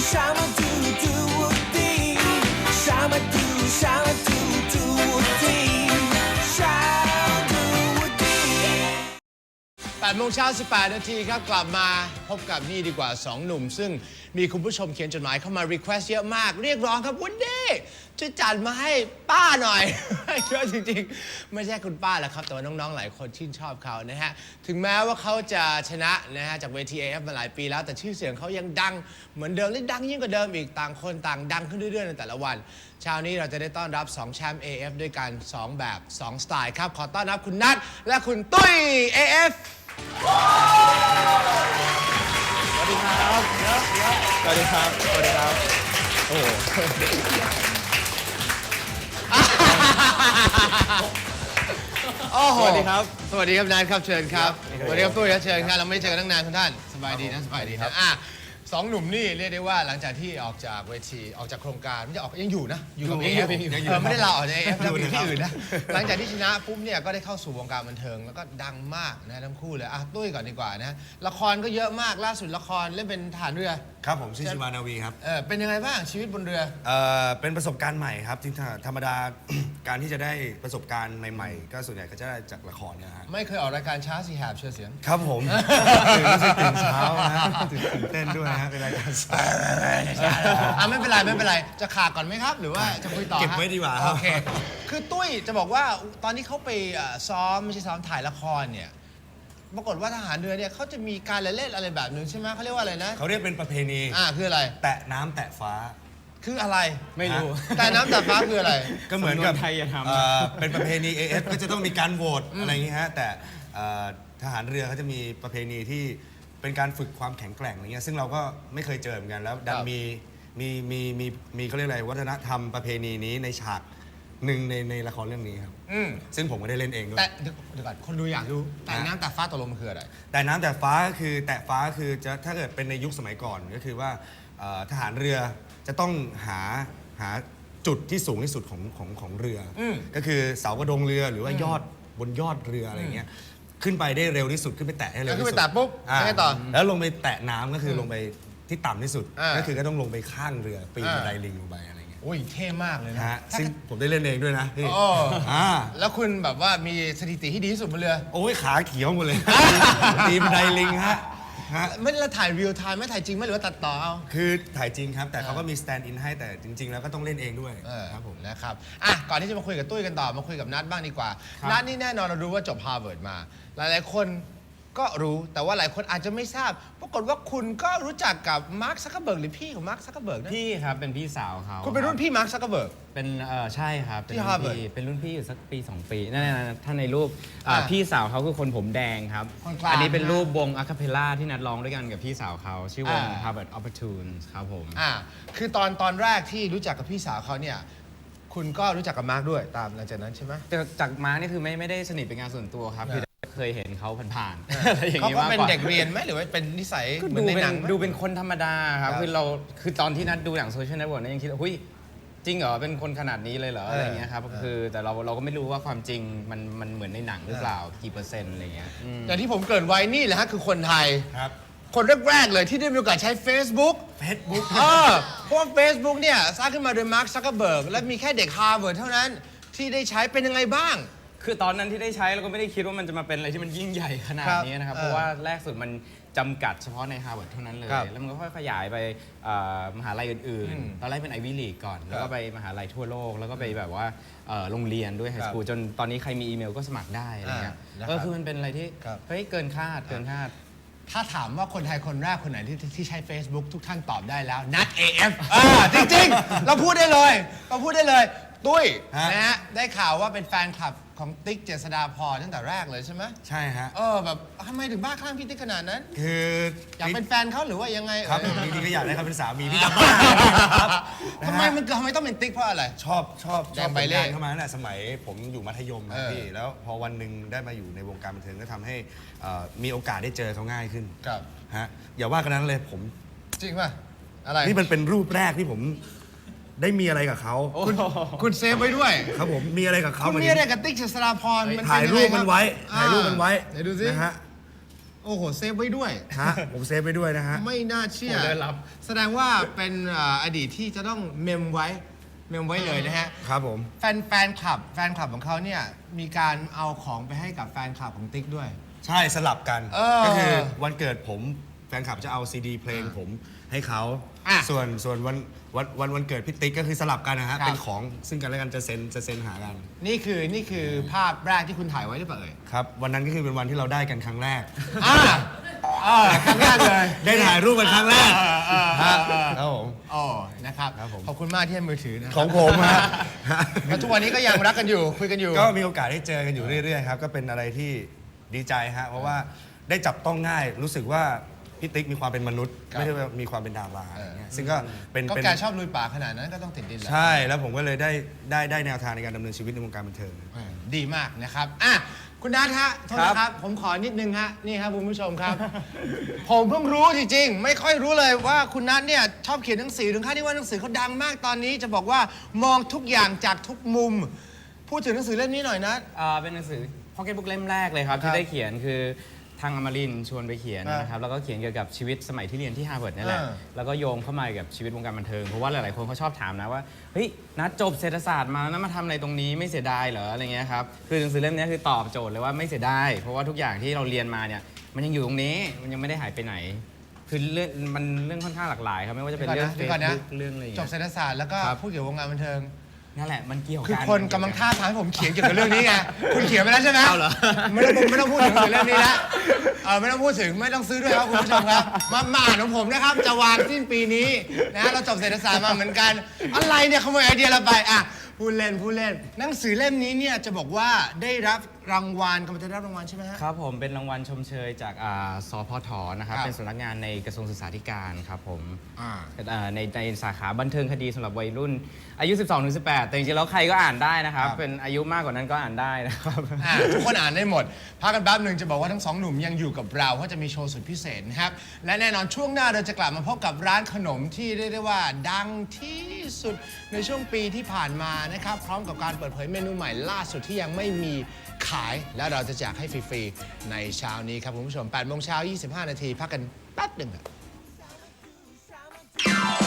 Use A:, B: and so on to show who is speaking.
A: Shama do do dee. Shama do shama do do dee. Shama do dee.
B: 8 โมงเช้า 18 นาทีครับกลับมาพบกับนี่ดีกว่า 2 หนุ่ม ซึ่งมีคุณผู้ชมเขียนจดหมายเข้ามา request เยอะมากเรียกร้องครับวันนี้ช่วยจัดมาให้ป้าหน่อย เยอะจริงๆ ไม่ใช่คุณป้าแหละครับ แต่ว่าน้องๆหลายคนชื่นชอบเขานะฮะถึงแม้ว่าเขาจะชนะนะฮะจากเวที AF มาหลายปีแล้วแต่ชื่อเสียงเขายังดังเหมือนเดิมและดังยิ่งกว่าเดิมอีกต่างคนต่างดังขึ้นเรื่อยๆในแต่ละวันเช้านี้เราจะได้ต้อนรับ2แชมป์ AF ด้วยกัน2แบบ2สไตล์ครับขอต้อนรับคุณนัทและคุณตุ้ย AF
C: สวัสดีครับสวัสดีครับ สวัสดีครับ โอ้โห
B: โอ้โห
C: สวัสดีครับ
B: สวัสดีครับนัทครับเชิญครับ
C: ครับ
B: สวัสดีครับตุ้ยครับเชิญครับเราไม่ได้เจอกันตั้งนานคุณท่านสบายดีนะสบายดีนะสองหนุ่มนี่เรียกได้ว่าหลังจากที่ออกจากเวทีออกจากโครงการไม่ใช่ออกยังอยู่นะอยู่กับ AF ไม่ได้ลาออกจาก AF อยู่ที่อื่นนะหลังจากที่ชนะปุ๊บเนี่ยก็ได้เข้าสู่วงการบันเทิงแล้วก็ดังมากนะทั้งคู่เลยตุ้ยก่อนดีกว่านะละครก็เยอะมากล่าสุดละครเล่นเป็นทหารเรือ
D: ครับผมชื่อชิวานาวีครับ
B: เป็นยังไงบ้างชีวิตบนเรือ
D: เป็นประสบการณ์ใหม่ครับจริงๆธรรมดา การที่จะได้ประสบการณ์ใหม่ๆ ก็ส่วนใหญ่ก็จะได้จากละครเนี่ยฮะ
B: ไม่เคยออกรายการช้าสีแหบเชื่อเสียง
D: ครับผม ตื่นเช้านะตื่นเต้นด้วยฮะเป็นรายการสาย
B: ไม่เป็นไรไม่เป็นไรจะขาดก่อนไหมครับ หรือว่าจะคุยต่อ
D: เก็บไว้ดีกว่าครับ
B: โอเคคือตุ้ยจะบอกว่าตอนที่เขาไปซ้อมไม่ใช่ซ้อมถ่ายละครเนี่ยปรากฏว่าทหารเรือเนี่ยเขาจะมีการเล่นอะไรแบบนึงใช่ไหมเขาเรียกว่าอะไรนะ
D: เขาเรียกเป็นประเพณี
B: คืออะไร
D: แตะน้ำแตะฟ้า
B: คืออะไร
C: ไม่รู้
B: แต่น้ำแต่ฟ้าคืออะไร
D: ก็เหมือนกับ
C: สำนวนไทยอย่าทำ
D: เป็นประเพณี AF ก็จะต้องมีการโหวตอะไรอย่างงี้ฮะแต่ทหารเรือเขาจะมีประเพณีที่เป็นการฝึกความแข็งแกร่งอะไรเงี้ยซึ่งเราก็ไม่เคยเจอเหมือนกันแล้วดันมีเขาเรียกอะไรวัฒนธรรมประเพณีนี้ในฉากหนึ่งในละครเรื่องนี้ครับซึ่งผมก็ได้เล่นเองด้วย
B: แต่เดี๋ยวก่อนคนดูอยากรู้แต่น้ำแต่ฟ้าตกลงมันคืออะไร
D: แต่น้ำแต่ฟ้าก็คือแตะฟ้าคือจะถ้าเกิดเป็นในยุคสมัยก่อนก็คือว่าทหารเรือจะต้องหาจุดที่สูงที่สุดของเรืออก็คือเสากระดงเรือหรือว่ายอดบนยอดเรืออะไรเงี้ยขึ้นไปได้เร็วที่สุดขึ้นไปแตะให้เร็วที่สุด
B: ขึ้นไปแตะปุ๊บยังไงต่อ
D: แล้วลงไปแตะน้ำก็คือลงไปที่ต่ำที่สุด
B: อ่า
D: ก็คือก็ต้องลงไปข้างเรือปีนบันไดลิงลงไปอะไรเงี้ย
B: โอ้ยเท่มากเลย
D: นะ
B: นะ
D: ฮะซึ่งผมได้เล่นเองด้วยนะพี่
B: โอ้
D: อ่า
B: แล้วคุณแบบว่ามีสถิติที่ดีที่สุดบนเรือ
D: โอ้ยขาเขียวหมดเลยปีนบันไดลิงฮะ
B: ไม่ได้ถ่ายเรียลไทม์ไม่ถ่ายจริงไหมหรือว่าตัดต่อเอา
D: คือถ่ายจริงครับ แต่เขาก็มีสแตนด์อินให้แต่จริง ๆ แล้วก็ต้องเล่นเองด้วยครับผม
B: นะครับก่อนที่จะมาคุยกับตุ้ยกันต่อมาคุยกับนัทบ้างดีกว่า นัทนี่แน่นอนเรารู้ว่าจบฮาร์วาร์ดมา หลายๆคนก็รู้แต่ว่าหลายคนอาจจะไม่ทราบ ปรากฏว่าคุณก็รู้จักกับมาร์คซักเคอร์เบิร์กหรือพี่ของมาร์คซักเคอร์เบิร์กนะ
C: พี่ครับ เป็นพี่สาวเขา
B: คุณเป็นรุ่นพี่มาร์คซักเคอร์เบิร์ก
C: เป็นใช่ครับ เป็น
B: ที่
C: รุ่น
B: Harvard
C: พี่เป็นรุ่นพี่อยู่สักปี 2 ปีนั่นๆถ้าในรูป พี่สาวเขาคือคนผมแดงครับ
B: คนกลาง
C: อันี้เป็น
B: นะ
C: รูปวงอะคาเพลล่าที่นัดร้องด้วยกันกับพี่สาวเขาชื่อวง Harvard Opportunes ครับผม
B: คือตอนแรกที่รู้จักกับพี่สาวเขาเนี่ยคุณก็รู้จักกับมาร์คด้วยตามหลังจากนั้นใช่ไหม
C: จากมาร์คนี่คือไม่ได้สนิทเป็นงานส่วนตัวครับคือเคยเห็นเขาผ่านๆอะไรอย่าง
B: เขา
C: นี้
B: ก็
C: มาก
B: เป็น
C: กว่า
B: เด็กเรียนไหมหรือว่าเป็นนิสัย
C: ก็
B: เหมือ
C: ดู
B: นใน
C: เป็
B: หนั
C: น
B: งไหม
C: ดูเป็นคนธรรมดาครับ
B: ครับ
C: คือตอนที่นัดดูหนังโซเชียลเน็ตเวิร์กนั้นยังคิดว่าหุ้ยจริงเหรอเป็นคนขนาดนี้เลยเหรออะไรเงี้ยครับคือแต่เราก็ไม่รู้ว่าความจริงมันเหมือนในหนังหรือเปล่ากี่เปอร์เซ็นต์อะไรเงี้ย
B: อย่างที่ผมเกริ่นไว้นี่แหละฮะคือคนไทย
D: ครับ
B: คนแรกๆเลยที่ได้มีโอกาสใช้ Facebook เพราะว่า Facebook เนี่ยสร้างขึ้นมาโดยมาร์คซักเคอร์เบิร์กและมีแค่เด็กฮาร์วาร์ดเท่านั้นที่ได้ใช้เป็นยังไงบ้าง
C: คือตอนนั้นที่ได้ใช้เราก็ไม่ได้คิดว่ามันจะมาเป็นอะไรที่มันยิ่งใหญ่ขนาดนี้นะครับ เพราะว่าแรกสุดมันจำกัดเฉพาะในฮาร์วาร์ดเท่านั้นเลย
B: ครับ
C: แล้วมันก็ค่อยขยายไปมหาลัยอื่นๆ ตอนแรกเป็นไอวี่ลีกก่อน แล้วก็ไปมหาลัยทั่วโลก แล้วก็ไปแบบว่าโรงเรียนด้วยไฮสคูลจนตอนนี้ใครมีอีเมลก็สมัครได้อะไรเงี้ย
B: นะครับ
C: คือมันเป็นอะไรที่
B: ครับ
C: เฮ้ยเกินคาด
B: ถ้าถามว่าคนไทยคนแรกคนไหนที่ใช้ Facebook ทุกท่านตอบได้แล้วนัด AF จริงๆ เราพูดได้เลยตุ้ยนะฮะได้ข่าวว่าเป็นแฟนคลับของติ๊กเจษฎาพรตั้งแต่แรกเลยใช่ไหม
D: ใช่ฮะ
B: แบบทำไมถึงบ้าคลั่งพี่ติ๊กขนาดนั้น
D: คือ
B: อยากเป็นแฟนเขาหรือว่ายังไง
D: ครับผมจริงๆก็อยากได้เขาเป็นสามีพี่จะบ้าครับ
B: ทำไมต้องเป็นติ๊กเพราะอะไร
D: ชอบ
B: แดงใบเล่
D: ผลงานเข้ามาตั้งแต่สมัยผมอยู่มัธยมครับพี่
B: เออ
D: แล้วพอวันหนึ่งได้มาอยู่ในวงการบันเทิงก็ทำให้มีโอกาสได้เจอเขาง่ายขึ้น
B: ครับ
D: ฮะอย่าว่ากันนั้นเลยผม
B: จริงป่ะอะไร
D: นี่มันเป็นรูปแรกที่ผมได้มีอะไรกับเขา
B: คุณเซฟไว้ด้วย
D: ครับผมมีอะไรกับเขา
B: คุณมีอะไรกับติ๊กเจษฎาพร
D: ถ่ายรูปมันไว้
B: ไหนดูสิ
D: นะฮะ
B: โอ้โหเซฟไว้ด้วย
D: ฮะผมเซฟไปด้วยนะฮะ
B: ไม่น่าเชื่อ
C: โอ้ได้รับ
B: แสดงว่าเป็นอดีตที่จะต้องเมมไว้เลยนะฮะ
D: ครับผม
B: แฟนคลับของเขาเนี่ยมีการเอาของไปให้กับแฟนคลับของติ๊กด้วย
D: ใช่สลับกัน
B: ก็
D: ก็คือวันเกิดผมแฟนคลับจะเอาซีดีเพลงผมให้เขา
B: อ่ะ
D: ส่วนวันเกิดพี่ติ๊กก็คือสลับกันนะฮะ
B: ครับ
D: เป็นของซึ่งกันและกันจะเซ็นหากัน
B: นี่คือภาพแรกที่คุณถ่ายไว้หรือเปล่าเอ่ย
D: ครับวันนั้นก็คือเป็นวันที่เราได้กันครั้งแรก
B: ครั้งแรกเลย
D: ได้ถ่ายรูปกันครั้งแรกฮะครับผม
B: อ๋อนะครับ
D: ครับผม
B: ขอบคุณมากที่ให้มือถือนะ
D: ของผมฮะ
B: แล้วทุกวันนี้ก็ยังรักกันอยู่คุยกันอยู่
D: ก็มีโอกาสได้เจอกันอยู่เรื่อยๆครับก็เป็นอะไรที่ดีใจฮะเพราะว่าได้จับต้องง่ายรู้สึกว่าพี่ติ๊กมีความเป็นมนุษย์
B: ครับ
D: ไม่ได้ว่ามีความเป็นดาราอะไรเงี้ยซึ่งก็เป็น
B: ก็แกชอบลุยป่าขนาดนั้นก็ต้องติดดินแหละ
D: ใช่แล้วผมก็เลยได้แนวทางในการดำเนินชีวิตในวงการบันเทิง
B: ดีมากนะครับอ่ะคุณนัทฮะโทษนะครับ ผมขอนิดนึงฮะนี่ครับคุณผู้ชมครับ ผมเพิ่งรู้จริงๆ ไม่ค่อยรู้เลยว่าคุณนัทเนี่ยชอบเขียนหนังสือถึงขั้นที่ว่าหนังสือเขาดังมากตอนนี้จะบอกว่ามองทุกอย่างจากทุกมุม พูดถึงหนังสือเล่มนี้หน่อยนะ
C: เป็นหนังสือพ็อกเก็ตบุ๊กเล่มแรกเลยครับ
B: ครับ
C: ที่ได้เขียนคือทางอมรินทร์ชวนไปเขียน
B: อ่าน
C: นะครับแล้วก็เขียนเกี่ยวกับชีวิตสมัยที่เรียนที่ฮาร์วาร์ดนี่แหละ แล้วก็โยงเข้ามากับชีวิตวงการบันเทิงเพราะว่าหลายๆคนเขาชอบถามนะว่าเฮ้ยนัดจบเศรษฐศาสตร์มาแล้วมาทำอะไรตรงนี้ไม่เสียดายเหรออะไรเงี้ยครับคือหนังสือเล่มนี้คือตอบโจทย์เลยว่าไม่เสียดายเพราะว่าทุกอย่างที่เราเรียนมาเนี่ยมันยังอยู่ตรงนี้มันยังไม่ได้หายไปไหน คือเรื่องค่อนข้างหลากหลายครับไม่ว่าจะเป็นเรื่องเฟ
B: เดี๋ยว
C: ซ
B: ก่อนนะ
C: บุ๊กเรื่องอะไรอย่าง
B: จ
C: เงี้
B: บ
C: ย
B: เศรษฐศาสตร์แล้วก็
C: ครับ
B: พูดเกี่ยวกับวงการบันเทิง
C: นั่นแหละมันเกี่ยว
B: คือ
C: กัน
B: คนกำลังท่าทางให้ผมเขียนเกี่ยวกับเรื่องนี้ไง คุณเขียนไปแล้วใช่ไหม
C: เอาเหรอ
B: ไม่ต้องพูดถึงเรื่องนี้ละไม่ต้องพูดถึงไม่ต้องซื้อด้วยครับคุณผู้ชมครับ มาอ่านของผมนะครับ จะวางสิ้นปีนี้นะเราจบเศรษฐศาสตร์มาเหมือนกัน อะไรเนี่ยขโมยไอเดียเราไปอ่ะพูดเล่นหนังสือเล่มนี้เนี่ยจะบอกว่าได้รับรางวัลกำลังจะได้รับรางวัลใช่ไหมฮะ
C: ครับผมเป็นรางวัลชมเชยจากสพทนะครับ
B: ครับ
C: เป็นสำนักงานในกระทรวงศึกษาธิการครับผม
B: อ่า
C: ในสาขาบันเทิงคดีสำหรับวัยรุ่น อายุ 12-18 แต่จริงๆแล้วใครก็อ่านได้นะครับ
B: ครับ
C: เป็นอายุมากกว่านั้นก็อ่านได้นะครับ
B: ทุกคนอ่านได้หมดพักกันแป๊บหนึ่งจะบอกว่าทั้งสองหนุ่มยังอยู่กับเราเพราะจะมีโชว์สุดพิเศษนะครับ และแน่นอนช่วงหน้าเราจะกลับมาพบกับร้านขนมที่เรียกได้ว่าดังที่สุดในช่วงปีที่ผ่านมานะครับ พร้อมกับการเปิดเผยเมนูใหม่ล่าสุดที่ยังไม่มีขาย และเราจะแจกให้ฟรีๆในเช้านี้ครับคุณผู้ชม 8 โมงเช้า 25 นาทีพักกันแป๊บหนึ่งครับ